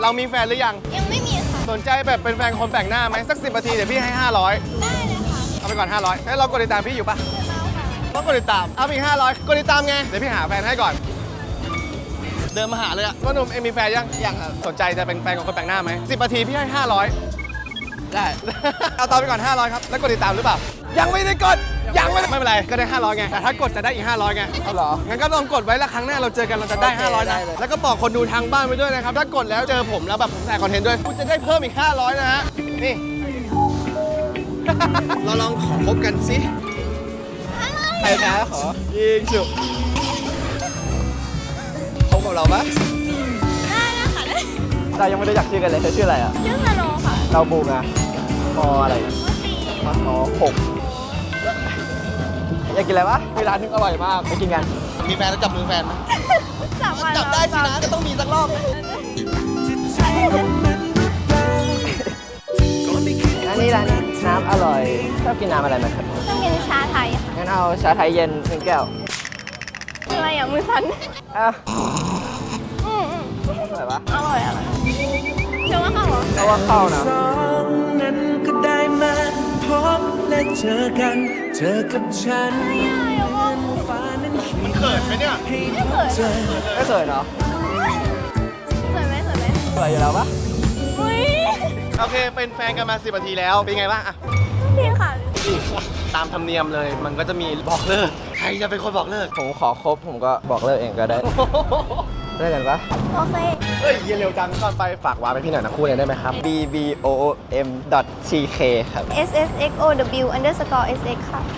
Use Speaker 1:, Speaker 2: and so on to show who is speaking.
Speaker 1: เรามีแฟนหรือยัง
Speaker 2: ยังไม่มีค่ะ
Speaker 1: สนใจแบบเป็นแฟนคนแปลกหน้าไหมสัก10 นาทีเดี๋ยวพี่ให้ 500
Speaker 2: ได้เลยค่ะ
Speaker 1: เอาไปก่อน 500แล้วเรากดติดตามพี่อยู่ปะ
Speaker 2: เอาค่ะ
Speaker 1: ต้องกดติดตามเอาอีก500กดติดตามไงเดี๋ยวพี่หาแฟนให้ก่อน เดินมาหาเลยอะว่าหนุ่มเอ็มมีแฟนยังครับสนใจจะเป็นแฟนของคนแปลกหน้าไหม10 นาทีพี่ให้ 500ได้ เอาตามไปก่อน500ครับแล้วกดติดตามหรือเปล่ายังไม่ได้กดยังไม่เป็นไรก็ได้500ไงแต่ถ้ากดจะได้อีก500ไง
Speaker 3: เอาเหรอ
Speaker 1: งั้นก็ลองกดไว้แล้วครั้งหน้าเราเจอกันเราจะได้
Speaker 3: โอเค
Speaker 1: 500
Speaker 3: ได้
Speaker 1: นะ
Speaker 3: เลย
Speaker 1: แล้วก็บอกคนดูทางบ้านไปด้วยนะครับถ้ากดแล้วเจอผมแล้วแบบผมถ่ายคอนเทนต์ด้วยคุณจะได้เพิ่มอีก500นะฮะนี่ เราลองขอคบกันสิ
Speaker 3: ใครแพ้ขอ
Speaker 1: ยิงฉุบ
Speaker 3: คบกับเราปะ
Speaker 2: ได้นะคะได้
Speaker 3: เรายังไม่ได้อยากชื่อกันเลยเธอชื่ออะไรอ่ะ
Speaker 2: ชื่อสโนค่ะ
Speaker 3: เราบูมอะมออะไร
Speaker 2: ตี
Speaker 3: ม6อยากกินอะไรวะมีร้านนึงอร่อยมากไปกินกัน
Speaker 1: มีแฟนแล้วจับมือแฟนไหม
Speaker 2: จับมา
Speaker 1: จับได้สินะก็ต้องมีสักรอบนะ
Speaker 3: ร้านนี้น้ำอร่อยชอบกินน้ำอะไรไหมครับ
Speaker 2: ต้องกินชาไทยค่ะ
Speaker 3: งั้นเอาชาไทยเย็น1 แก้ว
Speaker 2: อะไรอ่ะมือสั่น
Speaker 3: อ่ะ
Speaker 2: อืม
Speaker 3: อร่อยวะ
Speaker 2: อร่อยเชื่อว่าเข้าเหรอ
Speaker 3: เพราะว่าเข้านะ
Speaker 4: สองนั้นก็ได้มาพบและเจอกัน เจอกับฉัน ฟ้านั้นเขียน
Speaker 1: เขินไหมเนี่ย
Speaker 4: ให้พบเจอ
Speaker 3: ไม่เคยเนาะ
Speaker 2: สวยไหมสวยไหม
Speaker 3: สวยอยู่แล้วปะ
Speaker 2: อุ้ย
Speaker 1: โอเคเป็นแฟนกันมา10 นาทีแล้วเป็นไงบ้างอะ
Speaker 2: ดีค่ะ
Speaker 1: ตามธรรมเนียมเลยมันก็จะมีบอกเลิกใครจะเป็นคนบอกเลิก
Speaker 3: ผมขอครบผมก็บอกเลิกเองก็ได้เลิกกันปะ
Speaker 2: โอเค
Speaker 1: เฮ้ยเย็นเร็วจังก่อนไปฝากวางไปพี่หน่อยนะคู่เลยได้ไหมครับ
Speaker 3: bbom.tk ครับ
Speaker 2: ssxow_sx ค่ะ